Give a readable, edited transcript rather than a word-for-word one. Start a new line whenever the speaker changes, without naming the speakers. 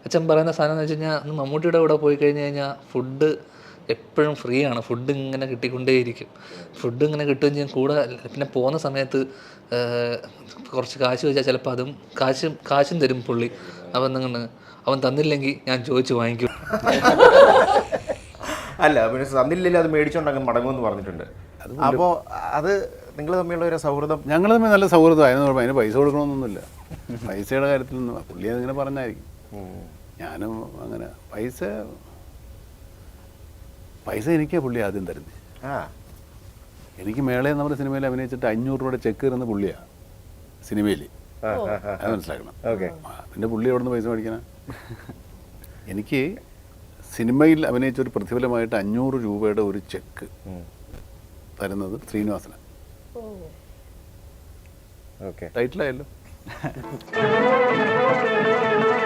അച്ഛൻ പറയുന്ന സാധനം എന്ന് വെച്ച് കഴിഞ്ഞാൽ അന്ന് മമ്മൂട്ടിയുടെ കൂടെ പോയി കഴിഞ്ഞ് കഴിഞ്ഞാൽ ഫുഡ് എപ്പോഴും ഫ്രീ ആണ്. ഫുഡ് ഇങ്ങനെ കിട്ടിക്കൊണ്ടേയിരിക്കും. ഫുഡ് ഇങ്ങനെ കിട്ടുകയും ചെയ്യും. കൂടെ പിന്നെ പോകുന്ന സമയത്ത് കുറച്ച് കാശ് ചോദിച്ചാൽ ചിലപ്പോൾ അതും കാശും തരും പുള്ളി. അവൻ നിങ്ങൾ അവൻ തന്നില്ലെങ്കിൽ ഞാൻ ചോദിച്ച് വാങ്ങിക്കും.
അല്ല പിന്നെ തന്നില്ലെങ്കിൽ അത് മേടിച്ചോണ്ടങ്ങ് മടങ്ങുമെന്ന് പറഞ്ഞിട്ടുണ്ട്. അപ്പോൾ അത് നിങ്ങൾ തമ്മിലുള്ള ഒരു സൗഹൃദം?
ഞങ്ങൾ തമ്മിൽ നല്ല സൗഹൃദമായിരുന്നു. അതിന് പൈസ കൊടുക്കണമെന്നൊന്നുമില്ല. പൈസയുടെ കാര്യത്തിലൊന്നും പുള്ളി അതിങ്ങനെ പറഞ്ഞായിരിക്കും. ഞാനും അങ്ങനെ പൈസ എനിക്കാ പുള്ളി ആദ്യം തരുന്നത്. എനിക്ക് മേളയെ നമ്മുടെ സിനിമയിൽ അഭിനയിച്ചിട്ട് 500 രൂപയുടെ ചെക്ക് തരുന്ന പുള്ളിയാണ് സിനിമയിൽ. അത് മനസ്സിലാക്കണം. പിന്നെ പുള്ളി എവിടെ നിന്ന് പൈസ മേടിക്കണം? എനിക്ക് സിനിമയിൽ അഭിനയിച്ച ഒരു പ്രതിഫലമായിട്ട് 500 രൂപയുടെ ഒരു ചെക്ക് തരുന്നത് ശ്രീനിവാസനാണ്. ടൈറ്റിലായല്ലോ.